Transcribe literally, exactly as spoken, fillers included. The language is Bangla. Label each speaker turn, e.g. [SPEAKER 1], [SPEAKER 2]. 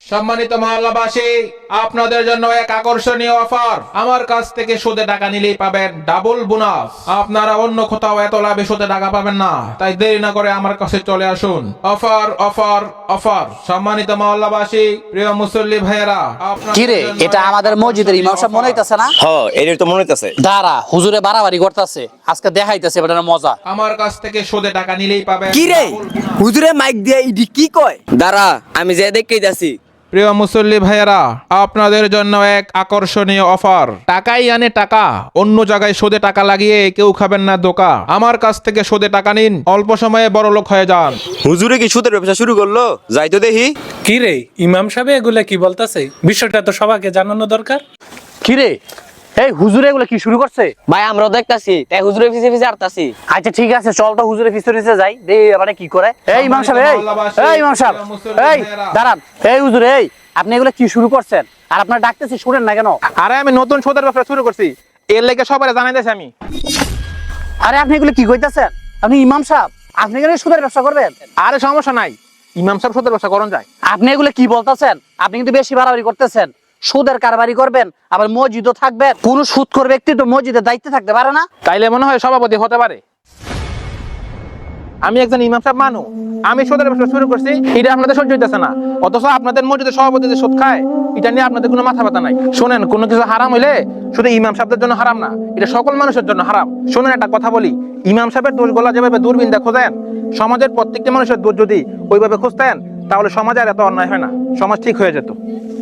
[SPEAKER 1] সম্মানিত মহল্লাবাসী, আপনাদের জন্য এক আকর্ষণীয় অফার। আমার কাছ থেকে সুদে টাকা নিলেই পাবেন ডাবল বোনাস। আপনারা অন্য কোথাও এত লাভে সুদে টাকা পাবেন না, তাই দেরি না করে আমার কাছে চলে আসুন। Offer offer offer. সম্মানিত মহল্লাবাসী, প্রিয় মুসল্লি ভাইয়েরা,
[SPEAKER 2] কি রে, এটা আমাদের মসজিদের ইমাম সাহেব মনে হইতাছে না?
[SPEAKER 3] হ্যাঁ, এটাই তো মনে হইতাছে।
[SPEAKER 2] দাঁড়া, হুজুরে বাড়াবাড়ি করতেছে, আজকে দেখাইতেছে বেটার মজা।
[SPEAKER 1] আমার কাছ থেকে সুদে টাকা নিলেই পাবেন
[SPEAKER 4] কি রে,
[SPEAKER 1] ডাবল বোনাস।
[SPEAKER 4] হুজুরে মাইক দিয়ে ইডি কি কয়?
[SPEAKER 3] দাঁড়া, আমি যে দেখেই যাচ্ছি।
[SPEAKER 1] প্রিয় মুসল্লি ভাইয়েরা, আপনাদের জন্য এক আকর্ষণীয় অফার। টাকাই আনে টাকা, অন্য জায়গায় সুদে টাকা লাগিয়ে কেউ খাবেন না ধোঁকা। আমার কাছ থেকে সুদে টাকা নিন, অল্প সময়ে বড় লোক হয়ে যান।
[SPEAKER 3] হুজুরে কি সুদের ব্যবসা শুরু করলো? যাই তো দেখি।
[SPEAKER 5] কি রে ইমাম সাহেব, এগুলা কি বলতাছে? বিষয়টা তো সবাইকে জানানো দরকার।
[SPEAKER 2] কি রে, এই হুজুরে এগুলো কি শুরু করছে?
[SPEAKER 6] ভাই আমরাও দেখতাছি, তাই হুজুরের পিছে পিছে আরতাছি।
[SPEAKER 2] আচ্ছা ঠিক আছে, চল তো হুজুরে পিছনে নিচে যাই, দেই মানে কি করে। এই ইমাম সাহেব, এই এই ইমাম সাহেব, এই দাঁড়ান। এই হুজুর, এই আপনি এগুলো কি শুরু করছেন? আর আপনার ডাকতেছি শুনেন না কেন?
[SPEAKER 1] আরে আমি নতুন সুদের ব্যবসা শুরু করছি, এর লেগে সবাই জানাই দিয়েছি আমি।
[SPEAKER 2] আরে আপনি এগুলো কি কইতাছেন? আপনি ইমাম সাহেব, আপনি কেন সুদের ব্যবসা করবেন?
[SPEAKER 1] আরে সমস্যা নাই, ইমাম সাহেব সুদের ব্যবসা করুন যায়।
[SPEAKER 2] আপনি এগুলো কি বলতেছেন? আপনি কিন্তু বেশি বাড়াবাড়ি করতেছেন। সুদের কারবারি করবেন, আবার মসজিদও থাকবেন। কোন সুদখোর ব্যক্তি তো মসজিদের দায়িত্বে থাকতে পারে না।
[SPEAKER 1] তাইলে মনে হয় সভাপতি হতে পারে। আমি একজন ইমাম সাহেব মানু, আমি সুদের ব্যবসা শুরু করছি, এটা আপনাদের সহ্য হইতেছে না। অথচ আপনাদের মসজিদের সভাপতি যে সুদ খায়, এটা নিয়ে আপনাদের কোনো মাথা ব্যথা নাই। শোনেন, কোনো কিছু হারাম হইলে শুধু ইমাম সাহেবদের জন্য হারাম না, এটা সকল মানুষের জন্য হারাম। শোনেন, একটা কথা বলি, ইমাম সাহেবের দোষগুলা যেভাবে দূরবীন খোঁজেন, সমাজের প্রত্যেকটা মানুষের দোষ যদি ওইভাবে খুঁজতেন, তাহলে সমাজে আর এত অন্যায় হয় না, সমাজ ঠিক হয়ে যেত।